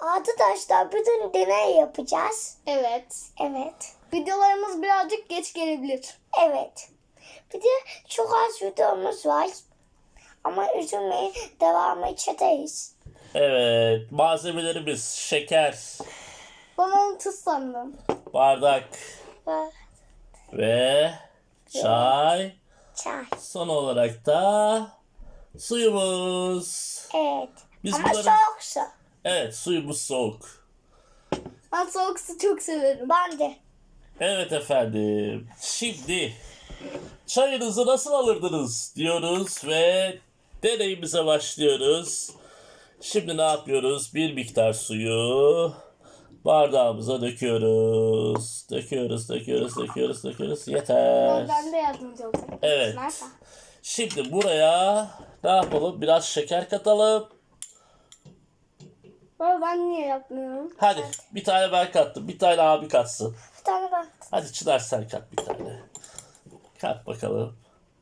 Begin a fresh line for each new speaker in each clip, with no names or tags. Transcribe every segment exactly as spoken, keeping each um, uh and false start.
Arkadaşlar bugün deney yapacağız.
Evet.
Evet.
Videolarımız birazcık geç gelebilir.
Evet. Bir de çok az videomuz var. Ama üzülmeyin, devamı edeceğiz.
Evet, malzemelerimiz şeker,
Ben onu tuz sandım.
bardak
Ve
ve çay.
çay.
Son olarak da suyumuz.
Evet.
Biz
Ama
bunları-
soğuk su.
Evet, suyumuz soğuk.
Ben soğuk su çok severim.
Ben de.
Evet efendim. Şimdi çayınızı nasıl alırdınız diyoruz ve deneyimize başlıyoruz. Şimdi ne yapıyoruz? Bir miktar suyu bardağımıza döküyoruz. Döküyoruz, döküyoruz, döküyoruz, döküyoruz. Yeter.
Ben de yardımcı olacağım.
Evet.
Nerede?
Şimdi buraya ne yapalım? Biraz şeker katalım.
Baba ben niye yapmıyorum?
Hadi bir tane ben kattım. Bir tane abi katsın.
Bir tane ben.
Hadi Çınar sen kat bir tane. Kat bakalım.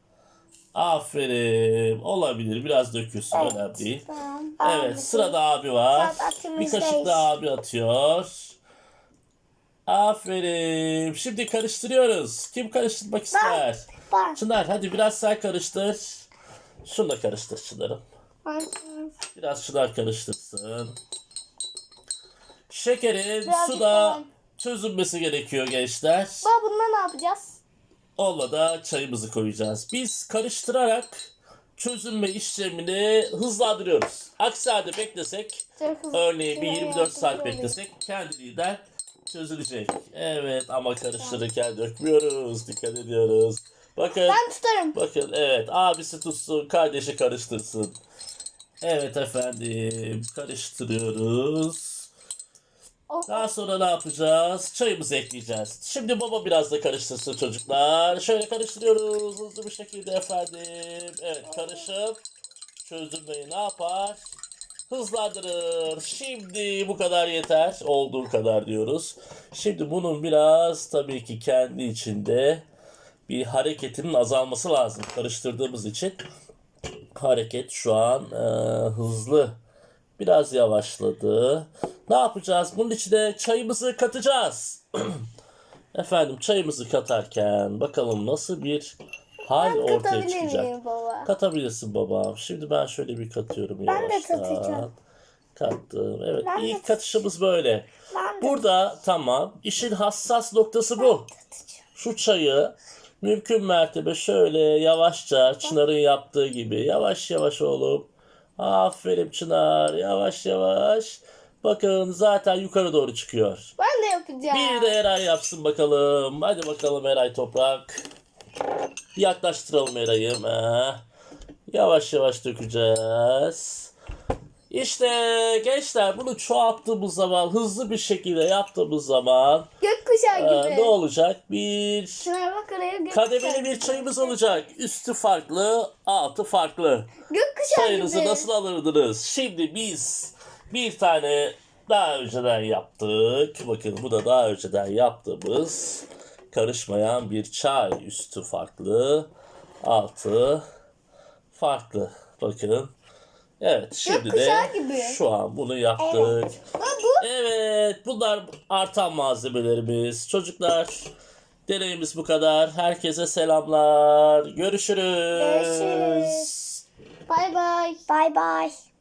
Aferin. Olabilir. Biraz dökülsün.
Evet.
Önemli değil.
Tamam.
Evet. Sırada abi var.
Sırada
Bir
atımızdayız.
kaşık da abi atıyor. Aferin. Şimdi karıştırıyoruz. Kim karıştırmak ister?
Ben.
Çınar hadi biraz sen karıştır. Şunu da karıştır Çınar'ım.
Ben,
Biraz Çınar karıştırsın. Şekerin
Birazcık
suda
daha.
çözünmesi gerekiyor gençler.
Baba bununla ne yapacağız?
Onunla da çayımızı koyacağız. Biz karıştırarak çözünme işlemini hızlandırıyoruz. Aksi halde beklesek,
Çok hızlı.
örneğin bir yirmi dört saat
Oluyor.
beklesek kendiliğinden çözülecek. Evet ama karıştırırken dökmüyoruz. Dikkat ediyoruz. Bakın,
Ben tutarım.
bakın evet abisi tutsun, kardeşi karıştırsın. Evet efendim karıştırıyoruz.
Oh.
Daha sonra ne yapacağız? Çayımızı ekleyeceğiz. Şimdi baba biraz da karıştırsın çocuklar. Şöyle karıştırıyoruz hızlı bir şekilde efendim. Evet karışıp çözülmeyi ne yapar? Hızlandırır. Şimdi bu kadar yeter. Olduğu kadar diyoruz. Şimdi bunun biraz tabii ki kendi içinde bir hareketinin azalması lazım. Karıştırdığımız için hareket şu an e, hızlı. Biraz yavaşladı. Ne yapacağız? Bunun içine çayımızı katacağız. Efendim çayımızı katarken bakalım nasıl bir hal
Ben
ortaya
katabilir
çıkacak.
miyim baba?
Katabilirsin babam. Şimdi ben şöyle bir katıyorum
Ben de
yavaştan.
katacağım.
Kattım. Evet
Ben de
ilk katışımız böyle.
Ben de.
Burada tamam. İşin hassas noktası bu. Şu çayı mümkün mertebe şöyle yavaşça Çınar'ın yaptığı gibi yavaş yavaş oğlum. Aferin Çınar. Yavaş yavaş. Bakın zaten yukarı doğru çıkıyor.
Ben de yapacağım.
Bir de Eray yapsın bakalım. Hadi bakalım Eray Toprak. Yaklaştıralım Eray'ı. Ha. Yavaş yavaş dökeceğiz. İşte gençler bunu çoğalttığımız zaman, hızlı bir şekilde yaptığımız zaman
Gökkuşağı
e,
gibi.
ne olacak? Bir
Şuna bak oraya gökkuşağı.
kademeli bir çayımız olacak. Üstü farklı, altı farklı.
Gökkuşağı
Çayınızı
gibi.
nasıl alırdınız? Şimdi biz bir tane daha önceden yaptık. Bakın bu da daha önceden yaptığımız karışmayan bir çay. Üstü farklı, altı farklı. Bakın. Evet şimdi de
Gökkuşağı gibi.
şu an bunu yaptık.
Baba bu.
Evet bunlar artan malzemelerimiz. Çocuklar deneyimiz bu kadar. Herkese selamlar. Görüşürüz.
Görüşürüz.
Bay bay.
Bye bye.